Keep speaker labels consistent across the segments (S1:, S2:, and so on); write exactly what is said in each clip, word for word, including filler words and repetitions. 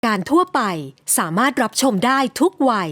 S1: การทั่วไปสามารถรับชมได้ทุกวัย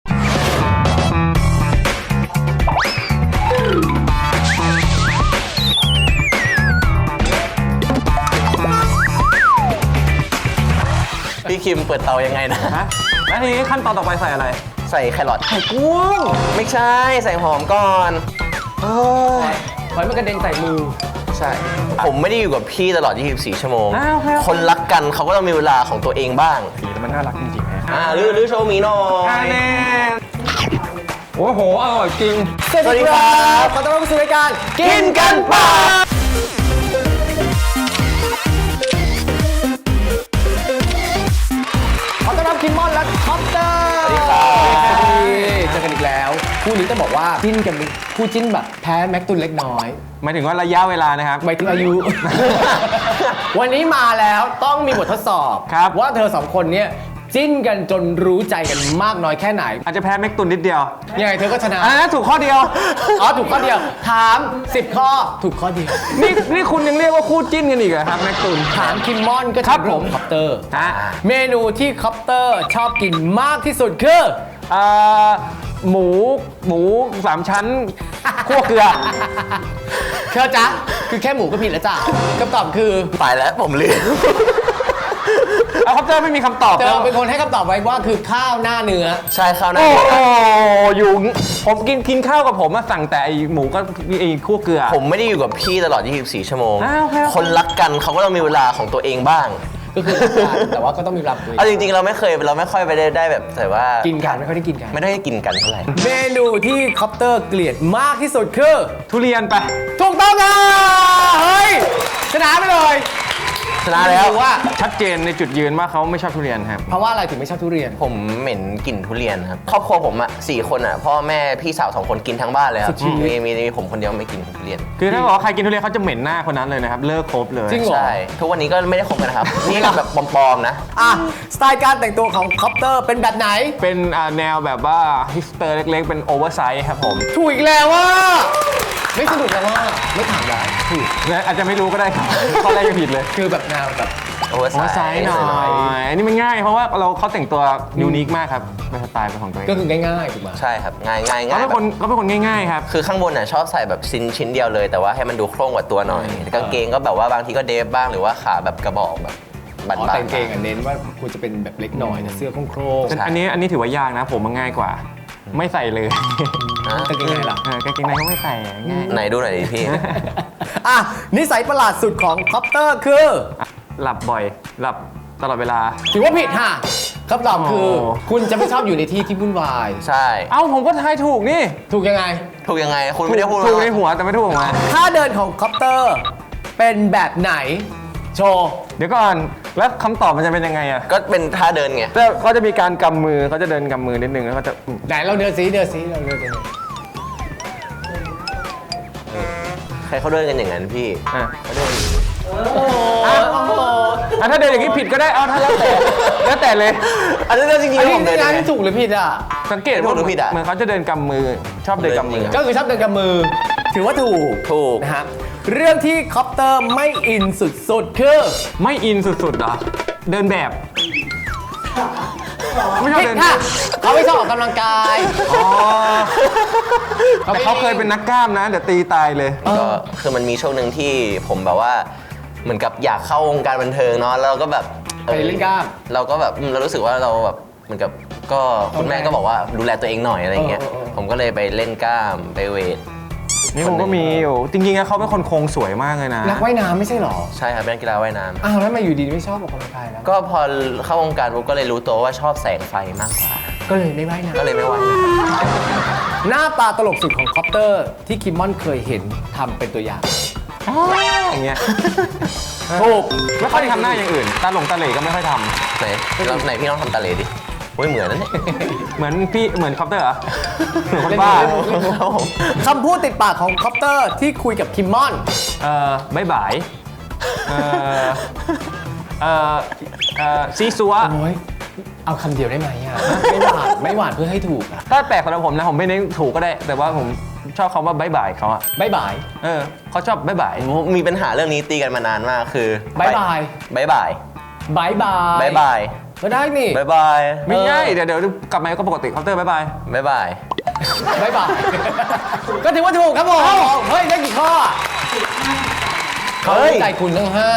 S2: พี่คิมเปิดเตายังไงนะ
S3: ฮะแล้วทีนี้ขั้นตอนต่อไปใส่อะไร
S2: ใส่แครอท
S3: ไข่กุ้ง
S2: ไม่ใช่ใส่หอมก่อน
S3: เฮ้ยไว้มันกระเด็นใส่มือ
S2: ใช่ ผมไม่ได้อยู่กับพี่ตลอด ยี่สิบสี่ ชั่วโมง
S3: อ้าวครับ
S2: คนรักกันเขาก็ต้องมีเวลาของตัวเองบ้าง
S3: สีแล้วมันน่ารักจริงๆนะ
S2: อ่าหรือหรือโชว์หมีหน่อย
S3: แน่โอ้โหอร่อยจริง
S2: สวัสดีครับ
S3: ขอต้อนรับเข้าสู่รายการ
S2: กินกันป่ะ
S3: ขอต้อนรับคิมมอนและคอปเตอร์
S2: สวัสดีครับ
S3: เจอกันอีกแล้วคู่นี้ต้องบอกว่าจิ้นกันคู่จิ้นแบบแพ้แม็กตุนเล็กน้อยหมายถึงว่าระยะเวลานะครับหมายถึงอายุ วันนี้มาแล้วต้องมีบททดสอบครับว่าเธอสองคนเนี้ยจิ้นกันจนรู้ใจกันมากน้อยแค่ไหนอาจจะแพ้แม็กตุนนิดเดียวยังไงเธอก็ชนะอ่าถูกข้อเดียวอ๋อถูกข้อเดียวถามสิบข้อถูกข้อเดียวนี่นี่คุณยังเรียกว่าคู่จิ้นกันอีกเหรอครับแม็กตุนถามคิมมอนก็ครับผมคอปเตอร์เมนูที่คอปเตอร์ชอบกินมากที่สุดคืออ่าหมูหมูสามชั้นคั่วเกลือเธอจ๊ะคือแค่หมูก็ผิดแล้วจ้ะคำตอบคือ
S2: ไปแล้วผมลืม
S3: เอาคอปเตอร์ไม่มีคำตอบเธอเป็นคนให้คำตอบไว้ว่าคือข้าวหน้าเนื้อ
S2: ใช่ข้าวหน้า
S3: โอ้
S2: เนื้อ
S3: โหอยู่ผมกินกินข้าวกับผมมาสั่งแต่ไอหมูก็ไอคั่วเกลือ
S2: ผมไม่ได้อยู่กับพี่ตลอด ยี่สิบสี่ ชั่วโมง
S3: อ้าวครับ
S2: คนรักกันเขาก็ต้องมีเวลาของตัวเองบ้าง
S3: ก็คือแต่ว่าก็ต้องมีรับตัวเอง
S2: เอาจริงๆเราไม่เคยเราไม่ค่อยไปได้ได้แบบแต่ว่ากิ
S3: กินกันไม่ค่อยได้กินกัน
S2: ไม่ได้กินกันเท่าไหร่
S3: เมนูที่คอปเตอร์เกลียดมากที่สุดคือทุเรียนไปถูกต้องค่ะเฮ้ยชนะไปเลย
S2: ชนะแล้ว
S3: ว่าชัดเจนในจุดยืนว่าเขาไม่ชอบทุเรียนครับเพราะว่าอะไรถึงไม่ชอบทุเรียน
S2: ผมเหม็นกลิ่นทุเรียนครับครอบครัวผมอ่ะสี่คนอ่ะพ่อแม่พี่สาวสองคนกินทั้งบ้านเลยครับมีมีมีผมคนเดียวไม่กินทุเรียน
S3: คือถ้าบอกว่าใครกินทุเรียนเขาจะเหม็นหน้าคนนั้นเลยนะครับเลิกคบเลย
S2: จริงเหรอใช่ทุกวันนี้ก็ไม่ได้คบกันนะครับนี่แบบปลอมๆนะ
S3: อ่ะสไตล์การแต่งตัวของคอปเตอร์เป็นแบบไหนเป็นแนวแบบว่าฮิสเตอร์เล็กๆเป็นโอเวอร์ไซส์ครับผมถูกอีกแล้วว่าไม่สนุกแล้วว่าไม่ถามแล้วถูกอาจจะไม่รู้ก็ได้ครับข้อแรกยังผิดเลยคือแบบแนวแบบ
S2: โอเวอร์ไซส์
S3: หน่อยอันนี้มันง่ายเพราะว่าเราเขาแต่งตัวยูนิคมากครับเป็นสไตล์เป็นของตัวเองก็คือง่ายๆถูกไหม
S2: ใช่ครับง่ายง่ายง่าย
S3: เขาเป็นคนเขาเป็นคนง่ายๆครับ
S2: คือข้างบนน่ะชอบใส่แบบชิ้นชิ้นเดียวเลยแต่ว่าให้มันดูโคร่งกว่าตัวหน่อยกางเกงก็แบบว่าบางทีก็เดฟบ้างหรือว่าขาแบบกระบอกแบบบันๆ
S3: แต่งเกงเน้นว่าควรจะเป็นแบบเล็กหน่อยเสื้อโคร่งอันนี้อันนี้ถือว่ายากนะผมมันง่ายกว่าไม่ใส่เลยกางเกงในหรอกางเกงในก็ไม่ใส่ง่าย
S2: ไหนดูหน่อยดิพี่
S3: อ่ะนิสัยประหลาดสุดของคอปเตอร์คือหลับบ่อยหลับตลอดเวลาถือว่าผิดค่ะคำตอบคือคุณจะไม่ชอบอยู่ในที่ที่วุ่นวาย
S2: ใช่
S3: เอ้าผมก็ทายถูกนี่ถูกยังไง
S2: ถูกยังไงคุณไม่ได้พูด
S3: ถูกในหัวแต่ไม่ถูกออกมาท่าเดินของคอปเตอร์เป็นแบบไหนโชว์เดี๋ยวก่อนแล้วคำตอบมันจะเป็นยังไงอ่ะ
S2: ก็เป็นท่าเดินไง
S3: แต่เขาจะมีการกำมือเขาจะเดินกำมือนิดนึงแล้วเขาจะไหนเราเดินซีเดินซีเราเดิน
S2: ใครเขาเดินกันอย่างนั้นพี่
S3: อ่ะเขาเดินอ่ะถ้าเดินอย่างนี้ผิดก็ได้เอาถ้าแล้วแต่แล้วแต่เลย
S2: อันนี้จริงๆผมเดิน
S3: ถูกหรือผิดอ่ะสังเกต
S2: ว่าผิดอ่ะ
S3: เหมือนเขาจะเดินกำมือชอบเดินกำมือก็คือชอบเดินกำมือถือว่าถูก
S2: ถูก
S3: นะฮะเรื่องที่คอปเตอร์ไม่อินสุดๆคือไม่อินสุดๆเหรอเดินแบบไม่ชอบเดินค่ะเขาไม่ชอบออกกำลังกายอ๋อแต่เขาเคยเป็นนักกล้ามนะเดี๋ยวตีตายเลย
S2: ก็คือมันมีช่วงหนึ่งที่ผมแบบว่าเหมือนกับอยากเข้าวงการบันเทิงเนาะแล้วก็แบบ
S3: ไปเล่นกล้าม
S2: เราก็แบบเรารู้สึกว่าเราแบบเหมือนกับก็คุณแม่ก็บอกว่าดูแลตัวเองหน่อยอะไรเงี้ยผมก็เลยไปเล่นกล้ามไปเวท
S3: นี่ผมก็มีอยู่จริงๆเขาเป็นคนโครงสวยมากเลยนะนักว่ายน้ำไม่ใช่หรอ
S2: ใช่ครับเป็นนักกีฬาว่ายน้ำ
S3: อ้าวแล้วมาอยู่ดีไม่ชอบออกกำลังกายแล้ว
S2: ก็พอเข้าวงการผมก็เลยรู้ตัวว่าชอบแสงไฟมากกว่า
S3: ก็เลยไม่ว่ายน้ำ
S2: ก็เลยไม่ว่ายน้
S3: ำหน้าตาตลกสุดของคอปเตอร์ที่คิมมอนเคยเห็นทำเป็นตัวอย่างอย่างเงี้ยถูกไม่ค่อยทำหน้าอย่างอื่นตาหลงตาเหล่ก็ไม่ค่อยทำ
S2: ไหนไหนพี่น้องทำตาเหล่ดิโอ้ยเหมือนนั่นเนี่ย
S3: เหมือนพี่เหมือนคอปเตอร์เหรอเหมือนคนบ้าคำพูดติดปากของคอปเตอร์ที่คุยกับคิมมอนเอ่อบายบายเอ่อเอ่อเอ่อซีซัวเอาคำเดียวได้ไหมอ่ะไม่หวานไม่หวานเพื่อให้ถูกอ่ะถ้าแปลกสำหรับผมนะผมไม่ได้ถูกก็ได้แต่ว่าผมชอบคำว่าบายบายเขาอะบายบายเออเขาชอบบายบาย
S2: มีปัญหาเรื่องนี้ตีกันมานานมากคือบ
S3: ายบาย
S2: บายบาย
S3: บายบาย
S2: บายบาย
S3: ก็ได้นี่
S2: บ๊ายบาย
S4: ไม่ง่ายเดี๋ยวเดี๋ยวกลับมาก็ปกติเคาน์เตอร์บ๊ายบาย
S2: บ๊ายบาย
S3: บายบาย ก็ถือว่าถูกครับผมเฮ้ย ได้กี่ข้อเขา
S2: เฮ้ย
S3: ใจคุณทั้งห้า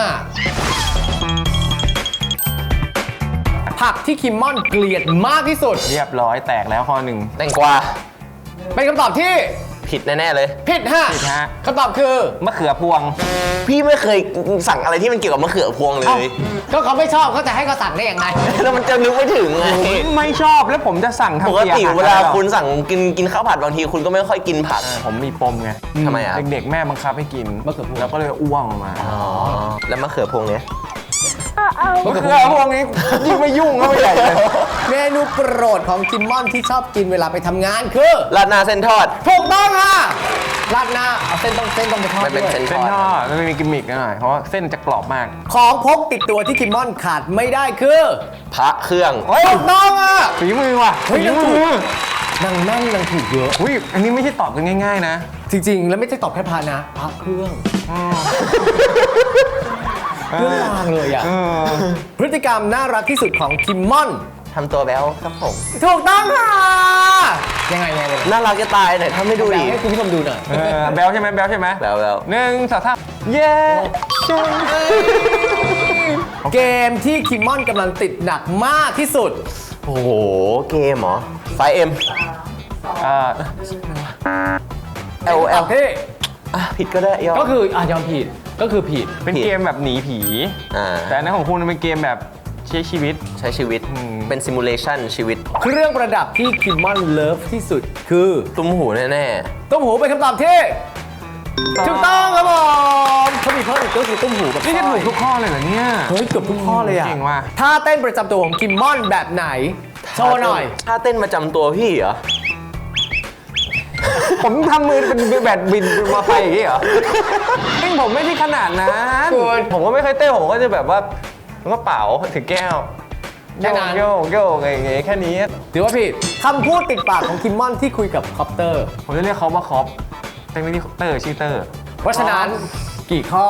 S3: ผักที่คิมมอนเกลียดมากที่สุด
S4: เรียบร้อยแตกแล้วข้อหนึ่ง
S2: แตงกวา
S3: เป็นคำตอบที่
S2: ผิดแน่ๆเลย
S3: ผิดฮะ
S4: ผิดฮะ
S3: คำตอบคือ
S4: มะเขือพวง
S2: พี่ไม่เคยสั่งอะไรที่มันเกี่ยวกับมะเขือพวงเลย
S3: ก็เขาไม่ชอบเขาจะให้เขาสั่งได้ยังไง
S2: แล้วมันจะนึกไม่ถึงไง
S4: ไม่ชอบแล้วผมจะสั่งทำ
S2: ปกติ
S4: อาหาร
S2: เวลา
S4: อะไรหรอ
S2: คุณสั่งกินกินข้าวผัดบางทีคุณก็ไม่ค่อยกินผัก
S4: ผมมีปมไง
S2: ทำไมอ่ะ
S4: เด็กๆแม่บังคับให้กิน
S3: มะเขือพวง
S4: แล้วก็เลยอ้วงออกมา
S2: อ๋อ แล้วมะเขือพวงเนี้ย
S4: มะเขือพวงนี้ยิ่งไม่ยุ่งก็ไม่ใหญ่เลย
S3: เมนูโปรดของคิมมอนที่ชอบกินเวลาไปทำงานคือ
S2: ราดหน้าเส้นทอด
S3: ถูกต้องค่ะราดหน้าเอาเส้นต้องเส้นต้องไปทอด
S2: มันเป็น
S3: ด้วย
S2: เส้น
S4: เส้นทอดมันมีกิมมิกหน่อยเพราะว่าเส้นจะกรอบมาก
S3: ของพกติดตัวที่คิมมอนขาดไม่ได้คือ
S2: พระเครื่อง
S4: เฮ้ย
S3: ถูกต้องอ่ะ
S4: ฝีมือว่ะ
S3: เฮ้ย
S4: ฝีมือ
S3: นางแม่นนางถูกเยอะ
S4: อุ้ยอันนี้ไม่ใช่ตอบกันง่ายๆนะ
S3: จริงๆ แล้วไม่ใช่ตอบแค่พานะพระเครื่องเครื่องรางเลยอ่ะ
S4: เออ
S3: พฤติกรรมน่ารักที่สุดของคิมมอน
S2: ทำตัวแบ๊วครับผม
S3: ถูกต้องค่ะยังไงยังไง
S2: น่ารักจะตายหน่อยถ้าไม่ดูดิ
S3: ให้คุณผู้ชมดูหน่อย
S4: เออแบลใช่ไหมแบลใช่ไหม
S2: แบ๊วแบ๊ว
S4: หนึ่งสองสามเย้
S3: เกมที่คิมมอนกำลังติดหนักมากที่สุด
S2: โอ้โห เกมเหรอ ไฟเอ็ม
S4: อ่า
S2: เอลเอล
S3: ที่
S2: อ่ะผิดก็ได้ยอม
S3: ก็คืออ่ะยอมผิดก็คือผิด
S4: เป็นเกมแบบหนีผี
S2: อ่า
S4: แต่อันนั้นของคุณเป็นเกมแบบใช้ชีวิต
S2: ใช้ชีวิต
S4: อืม
S2: เป็นซิมูเลชันชีวิต
S3: เครื่องประดับที่คิมมอนเลิฟที่สุดคือ
S2: ตุ้มหูแน่
S3: ตุ้มหูเป็นคำตอบที่ถูกต้องครับผมเขามีเพิ่มอีกก็คือตุ้มหูกับ
S4: นี่จะ
S3: สร้
S4: ถู
S3: อย
S4: กทุกข้อเลยเหรอเนี่ย
S3: เฮ้ยเกือบทุกข้อเลยอ่ะ
S4: เก่งว่ะ
S2: ๆ
S3: ท่าเต้นประจำตัวของคิมมอนแบบไหน โชว์หน่อย
S2: ถ้าเต้นประจำตัวพี่เหรอ
S4: ผมทำมือเป็นแบบบินมาไฟอย่างนี้เหรอจริงผมไม่ได้ขนาดนั้น
S3: คุณ
S4: ผมก็ไม่เคยเต้นผมก็จะแบบว่าก็เป่าถือแก้ว
S3: แค่นั้น
S4: โยกโยกอะไรอย่างเงี้ยแค่นี้
S3: ถือว่าผิดคำพูดติดปากของคิมมอนที่คุยกับคอปเตอร์
S4: ผมจะเรียกเขาว่าคอปแต่ไม่ได้เตอร์ชื่อเตอร์
S3: เพราะฉะนั้นกี่ข้อ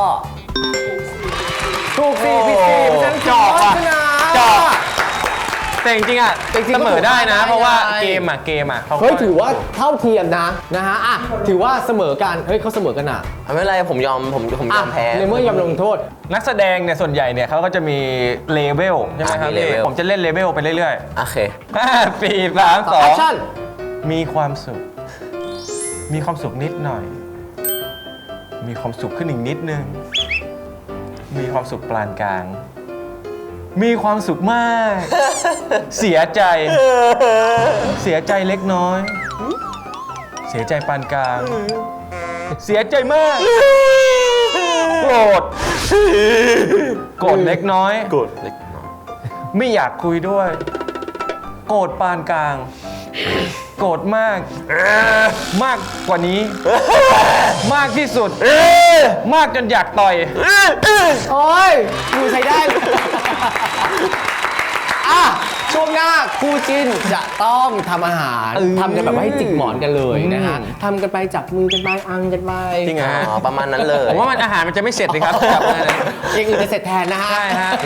S3: ถูกสี่
S2: โอ้
S3: ผิดสี่เพราะฉะนั้นคิมมอนชนะ
S4: จอก แต่จริงๆอ่ะ
S3: จริงๆ
S4: เสมอได้นะ
S3: ก็ถูก
S4: เพราะว่า
S3: ได้
S4: เกมอ่ะเกมอ่ะเขาก็
S3: เฮ้ยถือว่าเท่าเทียมนะนะฮะอ่ะถือว่าเสมอกันเฮ้ยเขาเสมอกันอ่ะ
S2: ไม่เป็นไรผมยอมผมผมย
S3: อ่ะ
S2: อมแพ้
S3: ในเมื่อยอมลงโทษ
S4: นักแสดงเนี่ยส่วนใหญ่เนี่ยเขาก็จะมีเลเวลใช่ไหมครับ
S2: อ่ะมีเลเวล
S4: ผมจะเล่นเลเวลไปเรื่อย
S2: โอเค
S4: ๆห้าสี่สามสอ
S3: แอง คชั่น
S4: มีความสุข มีความสุขนิดหน่อย มีความสุขขึ้นอีกนิดนึง มีความสุขปานกลาง มีความสุขมาก เสียใจ เสียใจเล็กน้อย เสียใจปานกลาง เสียใจมาก โกรธ โกรธเล็กน้อย
S2: กดเล็กน้อย
S4: ไม่อยากคุยด้วย โกรธปานกลาง โกรธมาก มากกว่านี้ มากที่สุด มากจนอยากต่อย
S3: โอ้ยดูใช้ได้ อ่ะช่วงหน้าคู่จิ้นจะต้องทำอาหาร
S4: เออ
S3: ทำกันแบบว่าให้จิกหมอนกันเลยนะฮะ
S4: อืม
S3: ทำกันไปจับมือกันไปอังกันไป
S4: จริงเหรอ
S2: อ๋อประมาณนั้นเลย
S4: ผมว่ามันอาหารมันจะไม่เสร็จเลยครับกลับมาเนี่ย
S3: อย่างอื่นจะเสร็จแทนนะฮะ
S4: ใช่ฮะ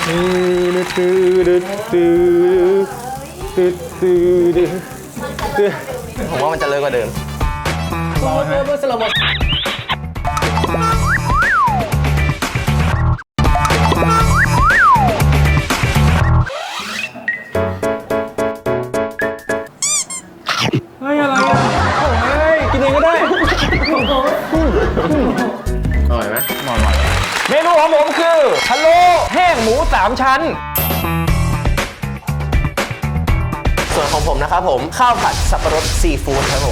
S2: ผมว่ามันจะเลิกกว่าเดิม
S3: เมื่อเมื่อเมื่อสโลโมกินเองก็ได้
S2: อร่อยไหม
S4: เมนูของผมคือพะโล้แห้งหมูสามชั้น
S2: ส่วนของผมนะครับผม ข้าวผัดสับปะรดซีฟู้ดครับผม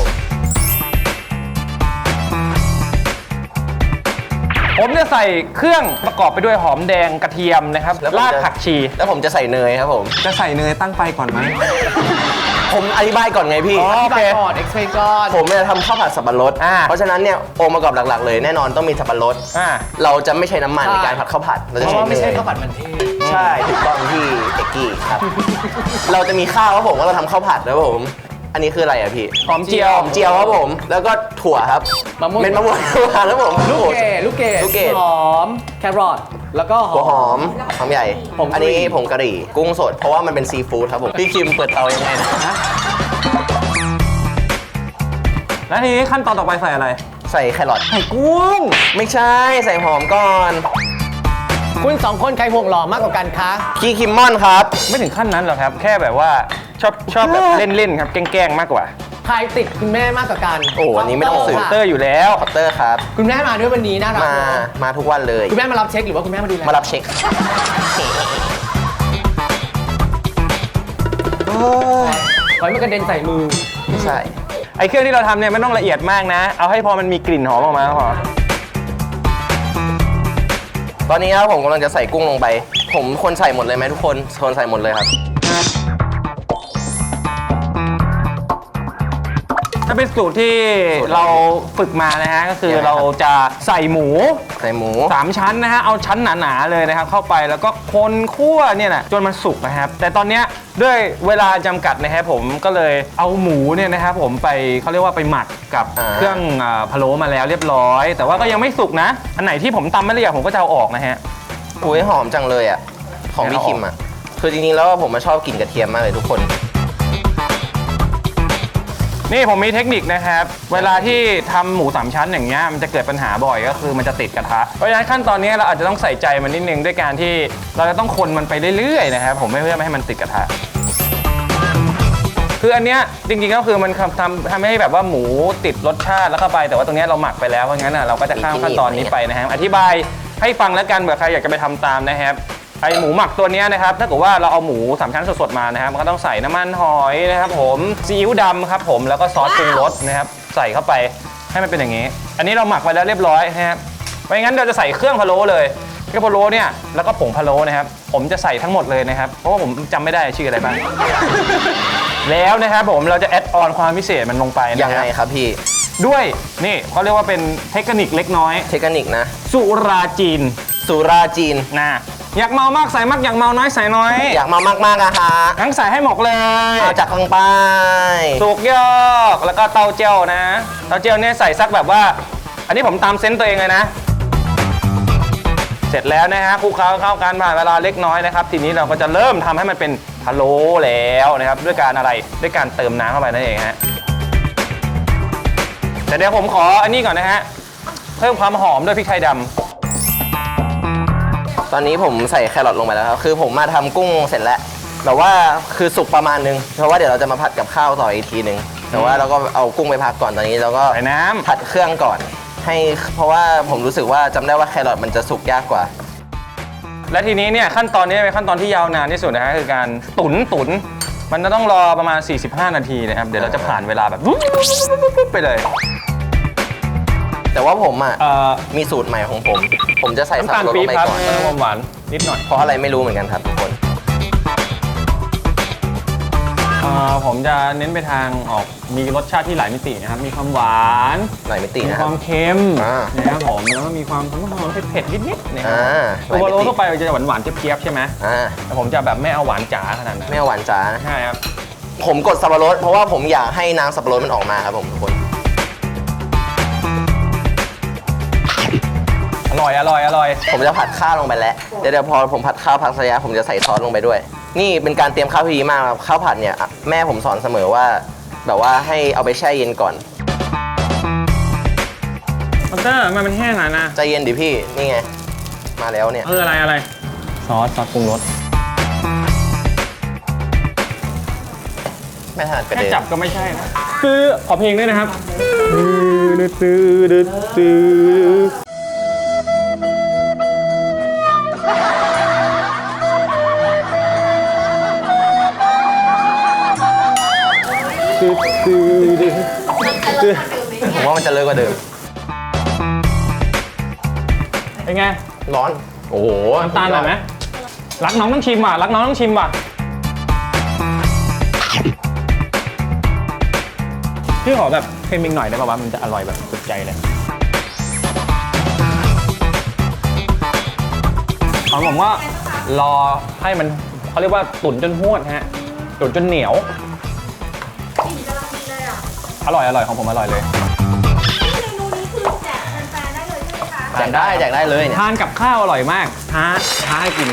S4: ผมจะใส่เครื่องประกอบไปด้วยหอมแดงกระเทียมนะครับ
S2: แล้วผม
S4: ราก
S2: จะ
S4: ผักชี
S2: แล้วผมจะใส่เนยครับผม
S4: จะใส่เนยตั้งไฟก่อนไหม
S2: ผมอธิบายก่อนไงพี่
S4: อ๋อ
S3: อธิบายก่อน explain ก่อน
S2: ผมเนี่ยทำข้าวผัดสับปะรด
S4: อ่า
S2: เพราะฉะนั้นเนี่ยองค์ประกอบหลักๆ เลยแน่นอนต้องมีสับปะรด
S4: อ่า
S2: เราจะไม่ใช้น้ำมัน
S3: ใช่
S2: ในการผัดข้าวผัด เรา
S3: เพ
S2: จะ
S3: ราะ
S2: ใช้
S3: ว่า
S2: เน
S3: ไม่ใช่
S2: ย
S3: ข้าวผัดมันเทศ
S2: ใช่ถูกต้องที่เอกกี้ครับ เราจะมีข้าวครับผมว่าเราทำข้าวผัดนะครับผม อันนี้คืออะไรอะพี่
S4: หอมเจียว
S2: หอมเจียวครับผม แล้วก็ถั่วครับ
S3: มะม่วง
S2: เป็นมะม่วงครับผม
S3: ลูกเกดลูกเกด
S2: ลูกเกด
S3: หอม แครอทแล้วก็
S2: หัวหอมหอมใหญ่
S3: ผงกะหรี่
S2: อันนี้ผงกะหรี่กุ้งสดเพราะว่ามันเป็นซีฟู้ดครับผมพี่คิมเปิดเตายังไงนะ
S4: แล้วทีนี้ขั้นตอนต่อไปใส่อะไร
S2: ใส่แครอท
S4: ใส่กุ้ง
S2: ไม่ใช่ใส่หอมก่อน
S3: คุณสองคนใครห่วงหล่อมากกว่ากันคะ
S2: พี่คิมมอนครับ
S4: ไม่ถึงขั้นนั้นหรอกครับ แค่แบบว่าชอบชอบแบบเล่นๆครับแกล้งๆมากกว่า
S3: ใครติดคุณแม่มากกว่ากัน
S2: โอ้อันนี้ไม่ต้องสืบ
S3: ค่ะ
S4: เตอร์อยู่แล้ว
S2: คอปเตอร์ครับ
S3: คุณแม่มาด้วยวันนี้น่ารัก
S2: มา
S3: เนอะ
S2: มาทุกวันเลย
S3: คุณแม่มารับเช็คหรือว่าคุณแม่มาดูแล
S2: มารับเช็คโอ้ย
S3: ขอให้มันกระเด็นใส่มือ
S2: ไม่ใช่
S4: ไอ้เครื่องที่เราทำเนี่ยไม่ต้องละเอียดมากนะ เอาให้พอมันมีกลิ่นหอมออกมาก็พอ
S2: ตอนนี้ครับผมกำลังจะใส่กุ้งลงไป ผมคนใส่หมดเลยไหมทุกคนคนใส่หมดเลยครับ
S4: ถ้าเป็นสูตรที่เราฝึกมานะฮะก็คือ
S2: ยังไงครับ
S4: เราจะใส่หมู
S2: ใส่หมู
S4: สามชั้นนะฮะเอาชั้นหนาๆเลยนะครับเข้าไปแล้วก็คนคั่วเนี่ยนะจนมันสุกนะครับแต่ตอนเนี้ยด้วยเวลาจำกัดนะครับผมก็เลยเอาหมูเนี่ยนะครับผมไปเขาเรียกว่าไปหมักกับ
S2: อ่า
S4: เครื่องอ่าพะโล้มาแล้วเรียบร้อย แต่ว่าก็ยังไม่สุกนะ อันไหนที่ผมตำไม่ละเอียดผมก็จะเอาออกนะฮะ
S2: อุ้ยหอมจังเลยอ่ะของพี่คิมอ่ะคือจริงๆแล้วผมมาชอบกลิ่นกระเทียมมากเลยทุกคน
S4: นี่ผมมีเทคนิคนะครับ เวลาที่ทำหมูสามชั้นอย่างเงี้ยมันจะเกิดปัญหาบ่อยก็คือมันจะติดกระทะเพราะฉะนั้นขั้นตอนนี้เราอาจจะต้องใส่ใจมันนิดนึงด้วยการที่เราจะต้องคนมันไปเรื่อยๆนะครับผมไม่เพื่อไม่ให้มันติดกระทะคืออันเนี้ยจริงๆก็คือมันทำทำทำให้แบบว่าหมูติดรสชาติแล้วเข้าไปแต่ว่าตรงเนี้ยเราหมักไปแล้วเพราะงั้นอ่ะเราก็จะข้ามขั้นตอนนี้ไปนะครับอธิบายให้ฟังแล้วกันเผื่อใครอยากจะไปทำตามนะครับไอหมูหมักตัวเนี้ยนะครับถ้าเกิดว่าเราเอาหมูสามชั้นสดๆมานะครับมันก็ต้องใส่น้ำมันหอยนะครับผมซีอิ๊วดำครับผมแล้วก็ซอสปรุงรสนะครับใส่เข้าไปให้มันเป็นอย่างนี้ อันนี้เราหมักไว้แล้วเรียบร้อยนะครับไม่งั้นเราจะใส่เครื่องพะโล้เลยเครื่องพะโล้เนี่ยแล้วก็ผงพะโล้นะครับผมจะใส่ทั้งหมดเลยนะครับเพราะว่าผมจำไม่ได้ชื่ออะไรบ้าง แล้วนะครับผมเราจะแอดออนความพิเศษมันลงไปนะ
S2: ยัง
S4: ค
S2: ไง
S4: รับ
S2: ครับพี่
S4: ด้วยนี่เขาเรียกว่าเป็นเทคนิคเล็กน้อย
S2: เทคนิคนะ
S4: สุราจีน
S2: สุราจีน
S4: นะอยากเมามากใส่มากอยากเมาน้อยใส่น้อย
S2: อยากมามากๆอะฮะ
S4: ทั้งใส่ให้หมกเลย
S2: เอาจากข้างใต้
S4: สุกยอกแล้วก็เต้าเจี้ยวนะเต้าเจี้ยวเนี่ยใส่สักแบบว่า อันนี้ผมตามเซนส์ตัวเองเลยนะ เสร็จแล้วนะฮะคลุกเคล้าเข้ากันผ่านเวลาเล็กน้อยนะครับทีนี้เราก็จะเริ่มทำให้มันเป็นพะโล้แล้วนะครับด้วยการอะไรด้วยการเติมน้ำเข้าไปนั่นเองฮะแต่เดี๋ยวผมขออันนี้ก่อนนะฮะเพิ่มความหอมด้วยพริกไทยดำ
S2: ตอนนี้ผมใส่แครอทลงไปแล้วครับคือผมมาทำกุ้งเสร็จแล้วแต่ว่าคือสุกประมาณนึงเพราะว่าเดี๋ยวเราจะมาผัดกับข้าวต่ออีกทีนึงแต่ว่าเราก็เอากุ้งไปพักก่อนตอนนี้เราก็
S4: ใส่น้ำ
S2: ผัดเครื่องก่อนให้เพราะว่าผมรู้สึกว่าจำได้ว่าแครอทมันจะสุกยากกว่า
S4: และทีนี้เนี่ยขั้นตอนนี้เป็นขั้นตอนที่ยาวนานที่สุดนะฮะคือการตุ๋นตุ๋นมันจะต้องรอประมาณ สี่สิบห้า นาทีนะครับเดี๋ยวเราจะผ่านเวลาแบบไปเลย
S2: แต่ว่าผมอ่ะ
S4: เอ่อ
S2: มีสูตรใหม่ของผม ผมจะใส่สับ
S4: น้ำตาล
S2: ปะรดล
S4: ปี๊บ
S2: งไป
S4: ครับ
S2: ก่อน
S4: เพิ่มความหวานนิดหน่อย
S2: เพราะอะไรไม่รู้เหมือนกันครับทุกคน
S4: เอ่อผมจะเน้นไปทางออกมีรสชาติที่หลายมิตินะครับมีความหวาน
S2: หลายมิติ
S4: มี
S2: นะค
S4: ครับ วามเค็ม
S2: อ่า
S4: นะครับผมแล้วก็มีความหอมๆเผ็ดๆนิดๆนะครั
S2: อ่า
S4: ตัวโร
S2: หลายมิติ
S4: ทั่วไปมันจะหวานๆเจี๊ยบๆใช่ไหม
S2: อ่า
S4: แต่ผมจะแบบไม่เอาหวานจ๋าขนาดนั้น
S2: ไม่เอาหวานจ๋านะ
S4: ใช่ครับ
S2: ผมกดสับปะรดเพราะว่าผมอยากให้น้ำสับปะรดมันออกมาครับผมทุกคน
S4: อร่อยอร่อยอร่อย
S2: ผมจะผัดข้าวลงไปแล้วเดี๋ยวเดี๋ยวพอผมผัดข้าวพักสักระยะผมจะใส่ซอสลงไปด้วย นี่เป็นการเตรียมข้าวที่ดีมากครับข้าวผัดเนี่ยแม่ผมสอนเสมอว่า แบบว่าให้เอาไปแช่เย็นก่อน
S4: มันเตอร์มันเป็นแห้งอ่ะนะ
S2: ใจเย็นดิพี่นี่ไงมาแล้วเนี่ย
S4: เอออะไรอะไรซอสซอสปรุงรส
S2: ไม่ถนัดกระ
S4: แค่
S2: เด็น
S4: จับก็ไม่ใช่นะคือขอเพลงด้วยนะครับตื้อตื้อตื้อตื้อตื้อตื้อตื้อ
S2: ผมว่ามันจะเลิกกว่าเดิม
S4: เป็นไง
S2: ร้อนโอ้โห
S4: น้ำตาลหน่อยไหมรักน้องต้องชิมว่ะรักน้องต้องชิมว่ะพี่ขอแบบเค็มอีกหน่อยได้ป่าวว่ามันจะอร่อยแบบสุดใจเลยของผมว่ารอให้มันเขาเรียกว่าตุ๋นจนหวดฮะตุ๋นจนเหนียวอร่อยอร่อยของผมอร่อยเลย
S5: เมนูนี้คือแจกแฟนๆได้เลยใช่ไหมคะ
S2: แจกได้แจกได้เลยเนี่ย
S3: ทานกับข้าวอร่อยมากท้าท้าให้กิน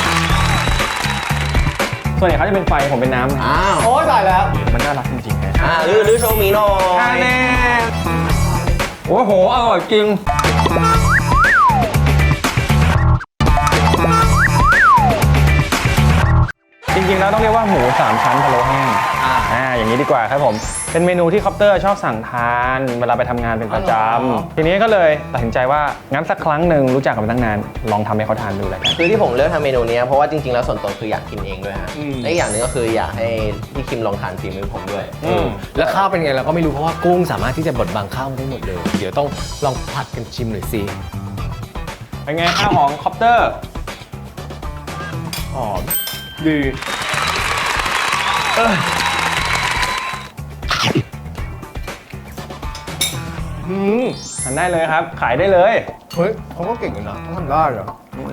S3: ส่วนใหญ่เขาจะเป็นไฟผมเป็นน้ำ
S2: อ้าว
S3: โอ้ยตายแล้ว
S4: มันน่ารักจริงๆนะ
S2: อ่าลือลือโชว์หมีหน่อย
S4: อันนี้โอ้โหอร่อยจริงจริงๆแล้วต้องเรียกว่าหมูสามชั้นพะโล้แห้ง
S3: อ่า
S4: อ่าอย่างนี้ดีกว่าครับผมเป็นเมนูที่คอปเตอร์ชอบสั่งทานเวลาไปทำงานเป็นประจ
S3: อ๋อ
S4: ำทีนี้ก็เลยตัดสินใจว่างั้นสักครั้งหนึ่งรู้จักกันมาตั้งนานลองทำให้เขาทานดูเลยกัน
S2: คือที่ผมเลือกทำเมนูนี้เพราะว่าจริงๆแล้วส่วนตัวคืออยากกินเองด้วยฮะ
S3: อืม
S2: และอีกอย่างหนึงก็คืออยากให้พี่คิมลองทานฝีมือผมด้วย
S3: อืมแล้วข้าวเป็นไงเราก็ไม่รู้เพราะว่ากุ้งสามารถที่จะบดบังข้าวได้หมดเลย เดี๋ยวต้องลองผัดกันชิมหน่อยสิ
S4: เป็นไงข้าวหอมคอปเตอร์หอมดีเอออืมทานได้เลยครับ ขายได้เลย
S3: เฮ้ยเขาก็เก่งอยู่นะเขาทำได้เหรอ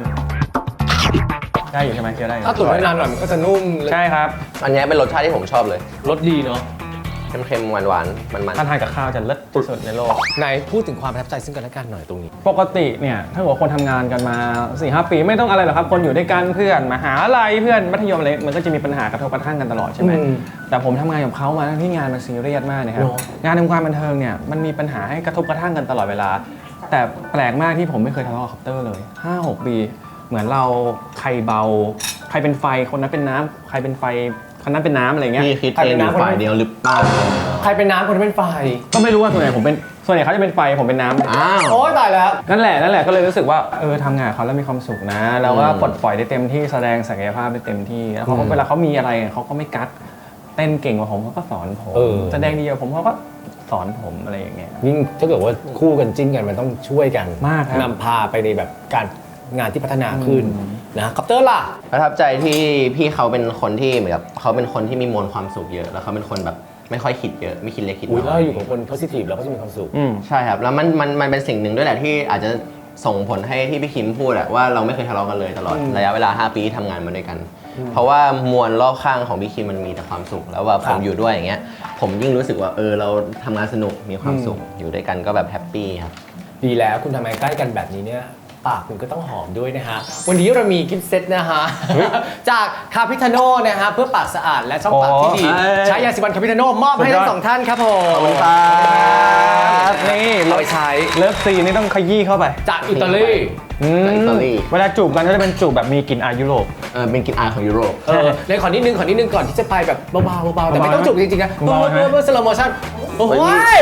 S4: ได้อยู่ใช่ไหมเคี้ยวได้อยู่
S3: ถ้าตุ๋นไว้นานหน่อยมันก็จะนุ่ม
S4: ใช่ครับ
S2: อันนี้เป็นรสชาติที่ผมชอบเลย
S3: รสดีเนาะ
S2: เค็มๆหวานๆมัน
S4: ถ้าทานกับข้าวจะเลิศที่สุดในโลก
S3: ไหนพูดถึงความประทับใจซึ่งกันและกันหน่อยตรงนี้
S4: ปกติเนี่ยถ้าเกิดว่าคนทำงานกันมา สี่ห้า ปีไม่ต้องอะไรหรอกครับ คนอยู่ด้วยกันเพื่อนมหาลัยเพื่อนมัธยมอะไรมันก็จะมีปัญหากระทบกระทั่งกันตลอดใช่ไหม
S3: อืม
S4: แต่ผมทำงานกับเขามาทั้งที่งานมันซีเรียสมากนะครับ
S3: เนอะ
S4: งานในวงการบันเทิงเนี่ยมันมีปัญหาให้กระทบกระทั่งกันตลอดเวลา แต่แปลกมากที่ผมไม่เคยทะเลาะกับคอปเตอร์เลย ห้าหก ปีเหมือนเราใครเบาใครเป็นไฟคนนั้นเป็นน้ำใครเป็นไฟคนนั้นเป็นน้ำอะไร
S2: ๆ
S4: เงี้ย
S2: พี่คิดเองอยู่ฝ่ายเดียวหรือเปล่า
S3: ใครเป็นน้ำคนที่เป็นไฟ
S4: ก็ไม่รู้ว่าส่วนใหญ่ผมเป็นส่วนใหญ่เขาจะเป็นไฟผมเป็นน้ำ
S2: อ้าว
S3: โอ้ยตายแล้ว
S4: นั่นแหละนั่นแหละก็เลยรู้สึกว่าเออทำงานกับเขาแล้วมีความสุขนะแล้วก็
S2: อืม
S4: ปลดปล่อยได้เต็มที่แสดงศักยภาพได้เต็มที่แล้วเขาก็เวลาเขามีอะไรเขาก็ไม่กักเต้นเก่งกว่าผมเขาก็สอนผม
S3: เออ
S4: แสดงดีกว่าผมเขาก็สอนผมอะไรอย่างเงี้ย
S3: ยิ่งถ้าเกิดว่าคู่กันจิ้นกันมันต้องช่วยกัน
S4: มากครับ
S3: นำพาไปในแบบการงานที่พัฒนาขึ้นนะคอปเตอร์ล่ะ
S2: ประทับใจที่พี่เขาเป็นคนที่เหมือนกับเขาเป็นคนที่มีมวลความสุขเยอะ แล้วเขาเป็นคนแบบไม่ค่อยคิดเยอะไม่คิดเล็กคิด
S3: อุ้ย
S2: น้
S3: ถ้า
S2: อย
S3: อยู่กับคน positive เราก็จะมีความสุข
S4: อืม
S2: ใช่ครับแล้วมันมันมันเป็นสิ่งหนึ่งด้วยแหละที่อาจจะส่งผลให้ที่พี่คิมพูดอะว่าเราไม่เคยทะเลาะกันเลยตลอด
S3: อืม
S2: ระยะเวลาห้าปีที่ทำงานมาด้วยกัน เพราะว่ามวลรอบข้างของพี่คิมมันมีแต่ความสุข แล้วว่าผ
S3: ครั
S2: ม
S3: บ
S2: อยู่ด้วยอย่างเงี้ยผมยิ่งรู้สึกว่าเออเราทำงานสนุกมีความสุขอยู่ด้วยกันก็แบบแฮปปี้ครับ
S3: ดีแล้วคุณทำไมใกล้กันแบบนี้เนี่ยปากคุณก็ต้องหอมด้วยนะฮะ วันนี้เรามีกิฟต์เซตนะฮะ จากคาพิทาโน่นะฮะเพื่อปากสะอาดและช่องปากที่ดี
S4: โอ้ย
S3: ใช้ยาสีฟันคาพิทาโน่มอบให้ทั้งสองท่านครับผม
S2: ขอบคุณครับ
S4: นี่
S3: เอาไปใช้
S4: เลิฟซีนนี่ต้องขยี้เข้าไป
S3: จากอิตาลี
S4: อืม
S2: จากอิตาลี
S4: เวลาจูบกันก็จะเป็นจูบแบบมีกลิ่นอายยุโรป
S2: เออเป็นกลินอายของยุโรป
S3: เออเลยขอนิดนึงขอนิดนึงก่อนที่จะไปแบบเบาๆเบาๆแต่ไม่ต้องจุกจริงๆนะ
S4: เบาๆ
S3: เมื่อเมื่อสโลโมชั่นโอ้
S2: เฮ้
S3: ย
S2: ย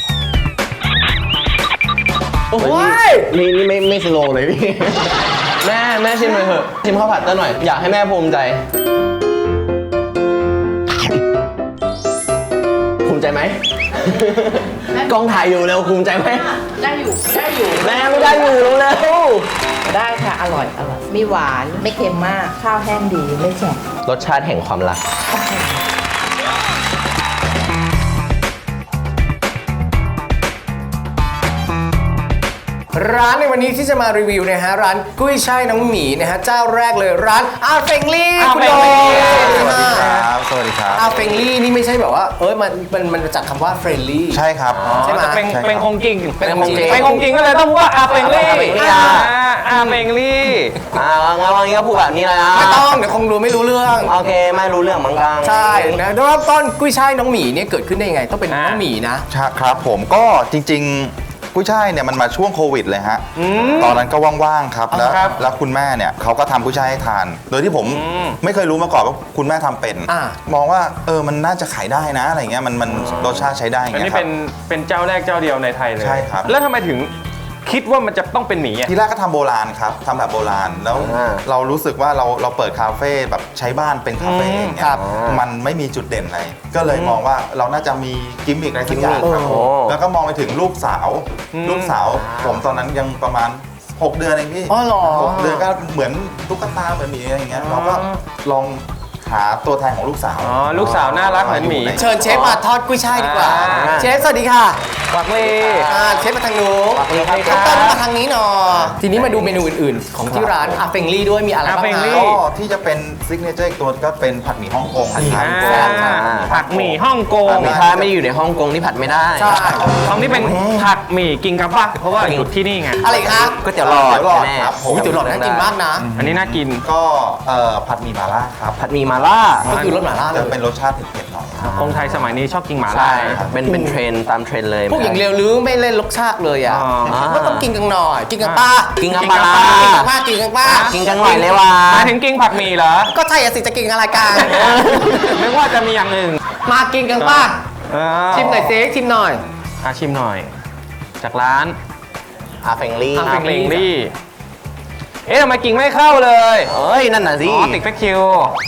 S3: โอ้ย
S2: นี่นี่ไม่ไม่สโลว์เลยพี่ แม่แม่ชิมเลยเถอะชิมข้าวผัดเต้นหน่อยอยากให้แม่ภูมิใจ ภูมิใจไหม กล้องถ่ายอยู่แล้วภูมิใจไหม
S5: ได้อยู่ ได้อยู่
S2: แม่ไม่ได้อยู่แล้วแล้ว
S5: ได้ค่ะ อร่อย อร่อย มีหวาน ไม่เค็มมาก ข้าวแห้งดี ไม่แฉะ
S2: รสชาติแห่งความรัก
S3: ร้านในวันนี้ที่จะมารีวิวนะฮะร้านกุ้ยช่ายน้องหมีนะฮะเจ้าแรกเลยร้านอาเฟงลี่คุณโด
S6: สวัสดีครับ สวัสดีครับ
S3: อาเฟงลี่นี่ไม่ใช่แบบว่าเอ้ยมันมันมันมาจากคำว่าเฟรนลี่
S6: ใช่ครับ
S3: ใช่ไหม
S4: เป็น
S6: ใช่ครับ
S4: เป็นคงจริง
S3: เป็นคงจริง
S4: เป็นคงจริงก็เลยต้องพูดว่าอาเฟงลี่
S2: อาเฟงลี่
S4: อ่าอาเฟงลี่
S2: อ่างั้นวันนี้ก็พูดแบบนี้เลยนะ
S3: ไม่ต้องเดี๋ยวคงรู้ไม่รู้เรื่อง
S2: โอเคไม่รู้เรื่องเหมือนกัน
S3: ใช่นะเริ่มต้นกุ้ยช่ายน้องหมีเนี่ยเกิดขึ้นได้ยังไงต้องเป็นน้องหมีนะ
S6: ครับผมก็จริงๆกุ้ยช่ายเนี่ยมันมาช่วงโควิดเลยฮะ ตอนนั้นก็ว่างๆครับ แล้ว
S4: ครับ
S6: แล้วคุณแม่เนี่ยเขาก็ทำกุ้ยช่ายให้ทาน โดยที่ผมไม่เคยรู้มาก่อนว่าคุณแม่ทำเป็น
S3: อ่า
S6: มองว่าเออมันน่าจะขายได้นะอะไรเงี้ยมันมันรสชาติใช้ได้อย่าง
S4: อัน
S6: เงี้
S4: นี้
S6: ยครั
S4: เป็
S6: บ
S4: นเป็นเจ้าแรกเจ้าเดียวในไทยเลย
S6: ใช่ครับ
S4: แล้วทำไมถึงคิดว่ามันจะต้องเป็นหมีอ่ะ
S6: ทีแรกก็ทำโบราณครับทำแบบโบราณแล้ว
S2: อ่า
S6: เรารู้สึกว่าเราเราเปิดคาเฟ่แบบใช้บ้านเป็นคาเฟ่อย่างเงี้
S3: ครั
S6: ย
S3: บ
S6: มันไม่มีจุดเด่นอะไรก็เลยมองว่าเราน่าจะมีกิมมิคอะไรสักอย่างครับ
S2: โอ้
S6: แล้วก็มองไปถึงลูกสาว ลูกสาว ผมตอนนั้นยังประมาณ หก เดือนเองพี่
S3: อ๋อเหรอ
S6: หกเดือนก็เหมือนตุ๊กตาเหมือนหมีอะไรอย่างเงี้ยเราก็ลองหาตัวแทนของลูกสาว
S4: อ๋อลูกสาวน่ารักเหมือนหมี
S3: เชิญเชฟมาทอดกุ้ยช่ายดีกว่า
S4: อ่า
S3: เชฟสวัสดีค่ะ
S4: ปักลี
S3: อ่าเชฟมาทางนู้น
S2: ปักลีครับ
S3: ข้าวต้มมาทางนี้หน่อยทีนี้มาดูเมนูอื่นๆ ของที่ร้านอาเฟงลี่ด้วยมีอะไรบ้าง
S4: อาเฟงลี่
S3: คะ
S6: ก็ที่จะเป็นซิกเนเจอร์อีกตัวก็เป็นผัดหมี่ฮ่องกง
S2: ผัดหมี่
S6: ครับ
S2: ฮ่องกง
S4: อ่า
S2: อ่า
S4: ผักหมี่ฮ่องกง
S2: มีถ้าไม่ได้อยู่ในฮ่องกงนี่ผัดไม่ได้
S3: ใช่
S4: ตรงนี้เป็นผักหมี่กินกับปะเพราะว่าอยู่ที่นี่ไง
S3: อะไรอีกคะ
S2: ก๋วยเตี๋ยวหลอด
S6: เตี๋ยวหลอด
S2: แม่
S6: ครับผม
S3: โอ้ยเตี๋ยวหลอดน่ากินมากนะ
S4: อันนี้น่ากิน
S6: ก็เอ่อผัดหมี่มาล่าครับ
S2: ผัดหมี่มาล่า
S3: ก็คือรสหม่าล่าเล
S6: จะ
S3: ย
S6: เป็นรสชาติเผ็ดๆหน่อยครับ
S4: คนไทยสมัยนี้ชอบกินหมาล่า
S2: ใช่ครับเป็นเป็นเทรนด์ตามเทรนด์เลย
S3: พวกอย่างเร็วหรือไม่เล่นรสชาติเลยอ่ะ
S4: อ๋อ
S3: ก็ต้องกินกันหน่อย กินกันป้า
S2: กินกับ
S4: กิน
S2: ป
S4: กับ
S2: ลา
S4: ปลา
S3: กินกันป้ากินกันป้า
S2: กินกันหน่อยเลยว่ะ
S4: หมายถึงกินผักหมี่เหรอ
S3: ก็ใช่อะสิจะกินอะไรกัน
S4: นึกว่าจะมีอย่างอื่น
S3: มากินกันป้า
S4: เออ
S3: ชิมหน่อยเซ็ชิมหน่อย
S4: อ่ะชิมหน่อย จากร้าน
S2: อาเฟงลี่
S3: อา
S4: อาเฟงลี่ เอ๊ะทำไมกิ่งไม่เข้าเลย
S2: เอ้ยนั่นน่ะสิ
S4: อ๋อติดแฟคิว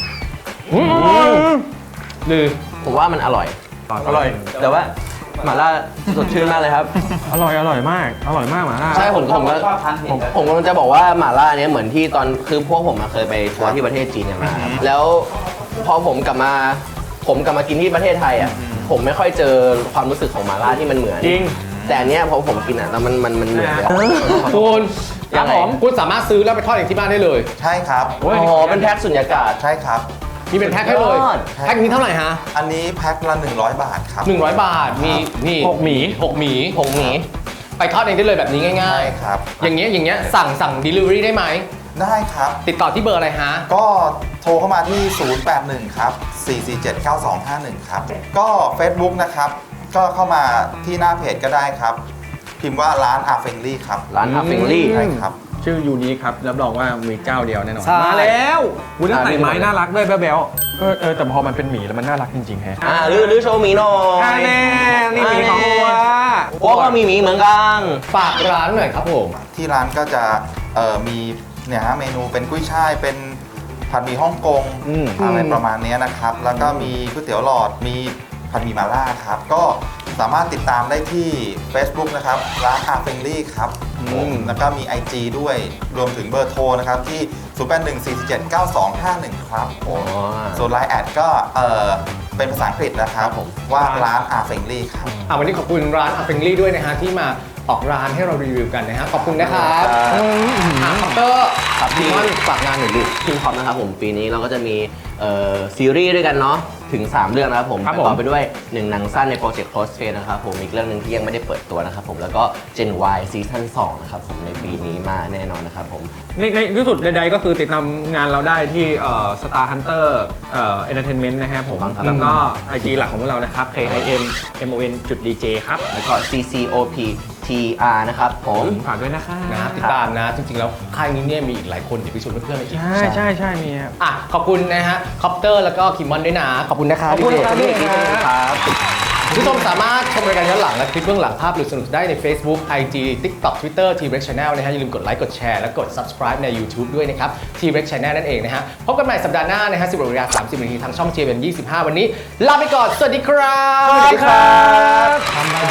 S4: หรือ
S2: ผมว่ามันอร่อย
S4: อร่อย
S2: แต่ว่าหม่าล่าสดชื่นมากเลยครับ
S4: อร่อย อร่อยมาก อร่อยมากหมาล่า
S2: ใช่ผมผมก็ผมผมกำลังจะบอกว่าหม่าล่าเนี้ยเหมือนที่ตอนคือพวกผมอะเคยไปทัวร์ที่ประเทศจีนกันมาครับแล้วพอผมกลับมาผมกลับมากินที่ประเทศไทยอ่ะผมไม่ค่อยเจอความรู้สึกของหม่าล่าที่มันเหมือน
S4: จริง
S2: แต่อันเนี้ยพอผมกินอ่ะแล้วมันมันมันเหมือนเลยอะ
S3: คุณค
S2: ยั
S3: รับ
S2: งไง
S3: ผมคุณสามารถซื้อแล้วไปทอดเองที่บ้านได้เลย
S6: ใช่ครับ
S2: อ๋อเป็นแพ็คสุญญากาศ
S6: ใช่ครับ
S3: มีเป็นแพ็คให้เลย
S2: ยอด
S3: แพ็คนี้เท่าไหร่ฮะ
S6: อันนี้แพ็คละหนึ่งร้อยบาทครับ
S3: หนึ่งร้อยบาท มีนี่
S4: หกหมี
S3: หกหมี
S2: ผงหมี
S3: ไปทอดเองได้เลยแบบนี้ง่า
S6: ใช่
S3: ย
S6: ครับ
S3: ๆ อย่างเงี้ยอย่างเงี้ยสั่งสั่ง delivery ได้ไหม
S6: ได้ครับ
S3: ติดต่อที่เบอร์อะไรฮะ
S6: ก็โทรเข้ามาที่ ศูนย์ แปด หนึ่ง ครับ สี่ สี่ เจ็ด เก้า สอง ห้า หนึ่ง ครับ ก็ Facebook นะครับ ก็เข้ามาที่หน้าเพจก็ได้ครับ พิมพ์ว่าร้านอาเฟงลี่ครับ
S2: ร้านอาเฟงลี่
S6: ใช่ครับ
S4: ชื่อยูนิคครับ รับรองว่ามีเจ้าเดียวแน่นอน
S3: ใช่
S4: มาแล้ววุ้น
S2: อ่า
S4: ใส่
S2: มี
S4: ไม้
S2: หมดเลย
S4: น่ารักด้วยแบ๊วๆเออเออแต่พอมันเป็นหมีแล้วมันน่ารักจริงๆแฮะ
S2: อ่าหรือหรือโชว์หมีหน่อย
S4: อ่าแน่นี่หมีของวัว
S2: พวกก็มีหมีเหมือนกัน
S3: ฝากร้านหน่อยครับผม
S6: ที่ร้านก็จะเอ่อมีเนี่ยฮะเมนูเป็นกุ้ยช่ายเป็นผัดหมี่ฮ่องกง
S4: อืม
S6: อะไรประมาณเนี้ยนะครับ แล้วก็มีก๋วยเตี๋ยวหลอดมีผัดหมี่มาล่าครับ ก็สามารถติดตามได้ที่ Facebook นะครับร้านอาเฟงลี่ครับผมแล้วก็มี ไอ จี ด้วยรวมถึงเบอร์โทรนะครับที่ ศูนย์ แปด หนึ่ง สี่ เจ็ด เก้า สอง ห้า หนึ่ง ครับผม
S2: อ๋อ
S6: ส่วนไลน์แอดก็เอ่อเป็นภาษาอังกฤษนะครับผมว่าร้านอาเฟงลี่ครับ
S3: อ่ะวันนี้ขอบคุณร้านอาเฟงลี่ด้วยนะฮะที่มาออกร้านให้เรารีวิวกันนะฮะขอบคุณนะครับอ่ะคอปเตอร์
S2: ครับ
S3: ดี
S2: พี่
S3: มอนฝากงานหน่อยดิ
S2: คิงคอปนะครับผมปีนี้เราก็จะมีเอ่อซีรีส์ด้วยกันเนาะถึง สาม เรื่องนะครับผม
S4: ครับ
S2: ประกอบ
S4: ผม
S2: ไปด้วยหนึ่งหนังสั้นในโปรเจกต์ Close Friends นะครับผมอีกเรื่องหนึ่งที่ยังไม่ได้เปิดตัวนะครับผมแล้วก็ Gen Y ซีซั่นสองนะครับผมในปีนี้มาแน่นอนนะครับผม
S4: ในในที่สุดใดๆก็คือติดตามงานเราได้ที่เอ่อ Star Hunter เอ่อ Entertainment นะครับผม
S2: ครับ
S4: แล้วก็ ไอ จี หลักของพวกเรานะครับ K I M M O N จุด D J ครับ
S2: แล้วก็ C C O P T R นะครับผม
S4: ฝากด้วยนะคะ
S3: นะติดตามนะ จริงๆ แล้วค่ายนี้เนี่ยมีอีกหลายคนอย่าไปชวนเพื่อนๆไปอีก
S4: ใช่ใช่ใช่มีครับ
S3: อ่ะขอบคุณนะฮะคอปเตอร์แล้วก็คิมมอนด้วยนะ ขอบคุณนะครับ
S4: ขอบคุณครับ
S3: พี่
S4: พี่
S3: เดช
S2: ครับ
S3: คุณผู้ชมสามารถชมรายการย้อนหลังและคลิปเบื้องหลังภาพหรือสนุกได้ใน Facebook ไอ จี TikTok Twitter T-Rex Channel นะฮะอย่าลืมกดไลค์กดแชร์และกด Subscribe ใน YouTube ด้วยนะครับ T-Rex Channel นั่นเองนะฮะพบกันใหม่สัปดาห์หน้านะฮะสิบนาฬิกาสามสิบนาทีทางช่อง จี เอ็ม ยี่สิบห้า วันนี้ลาไปก่อนสวัสดีครับ
S4: สวัสดีครับ